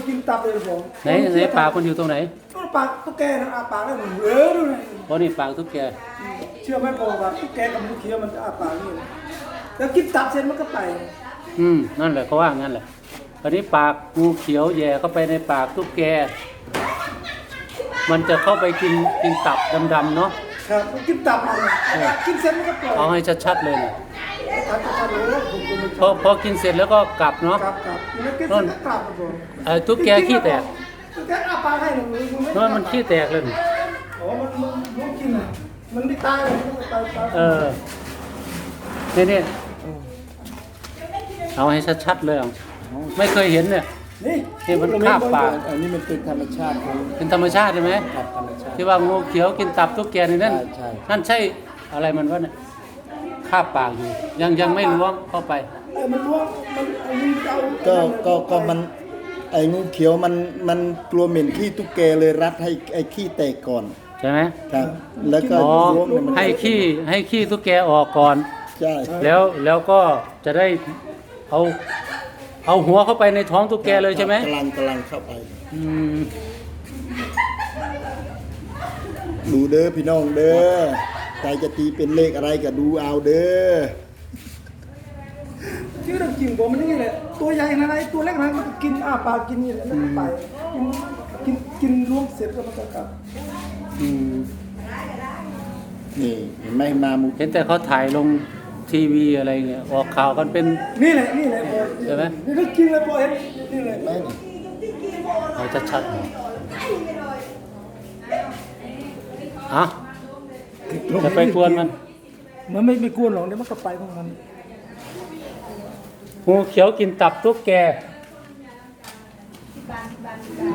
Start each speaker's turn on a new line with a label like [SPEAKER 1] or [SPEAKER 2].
[SPEAKER 1] กินตับเลยผม
[SPEAKER 2] ไหนปากมันอยู่ตรงไหน
[SPEAKER 1] ก็ปากตุ๊กแกนะอาปากแล้วดูเลย
[SPEAKER 2] เพราะนี่ปากตุ๊กแก
[SPEAKER 1] เชื่อไหมผมว่าตุ๊กแกกับงูเขียวมันจะอาปากนี่แล้วกินตับเสร็จมันก็ไป
[SPEAKER 2] นั่นแหละเขาว่างั้นแหละตอนนี้ปากงูเขียวแย่เข้าไปในปากตุ๊กแกมันจะเข้าไปกินตับดำๆเนาะ
[SPEAKER 1] ครับกินตับมันกินเสร็จมันก็ปล่อย
[SPEAKER 2] เอาให้ชัดๆเลยนะ
[SPEAKER 1] ตับจะเลยผมก็ไม่
[SPEAKER 2] พอกินเสร็จแล้วก็กลับเนาะ
[SPEAKER 1] ครับแล้วกินเสร็จก็กลับผม
[SPEAKER 2] ตุ๊กแกขี้แตก
[SPEAKER 1] ตุ๊กแกอาปากให้หนู
[SPEAKER 2] มันขี้แตกเลยนี่
[SPEAKER 1] อ๋อมันกินอ่ะมันไม่ตายเลยมันตาย
[SPEAKER 2] นี่เอาให้ชัดๆเลยไม่เคยเห็นเนี่ย นี่มันคาบปาก
[SPEAKER 3] อันนี้มันเป็นธรรมชาติของ
[SPEAKER 2] เป็นธรรมชาติใช่ไหม
[SPEAKER 3] ครับธรรมชาติ
[SPEAKER 2] ที่ว่างูเขียวกินตับตุ๊กแกนี่นั่น
[SPEAKER 3] ใช่
[SPEAKER 2] นั่นใช่อะไรมันวะเนี่ยคาบปากอยู่ยังไม่ล้วงเข้าไป
[SPEAKER 1] มันล้วงมัน
[SPEAKER 3] ก็มันไอ้งูเขียวมันกลัวเหม็นขี้ตุ๊กแกเลยรัดให้ไอ้ขี้แตกก่อน
[SPEAKER 2] ใช่ไหม
[SPEAKER 3] ครับ แล้วก็
[SPEAKER 2] อ๋อ
[SPEAKER 3] ล้วงเนี่ยมัน
[SPEAKER 2] ให้ขี้ตุ๊กแกออกก่อน
[SPEAKER 3] ใช่
[SPEAKER 2] แล้วก็จะได้เอาหัวเข้าไปในท้องตุ๊กแกเลยใช่ไหม
[SPEAKER 3] กำลังเข้าไป
[SPEAKER 2] อืม
[SPEAKER 3] ดูเด้อพี่น้องเด้อใครจะตีเป็นเลขอะไรก็ดูเอาเด้อ
[SPEAKER 1] ชื่อเรื่องจริงผมมันนี่แหละตัวใหญ่นะไอ้ตัวเล็กนะมันกินอาปากกินนี่แหละแล้วก็ไปกินล้วงเสร็จแล้วมันก็กลับ
[SPEAKER 2] อืม
[SPEAKER 3] นี่เห็นไหมมามุ
[SPEAKER 2] เห็นแต่เขาถ่ายลงทีวีอะไรเงี้ยออกข่าวกันเป็น
[SPEAKER 1] นี่แหละ
[SPEAKER 2] ใช่ไหม
[SPEAKER 1] นี่เรื่องจริงเลยพอเห็นนี่แหละ
[SPEAKER 3] แม่น
[SPEAKER 2] เอาชัดๆหน่อยอ่ะจะไปกวนมัน
[SPEAKER 1] มันไม่กวนหรอกเดี๋ยวมันก็ไปของมัน
[SPEAKER 2] งูเขียวกินตับตุ๊กแก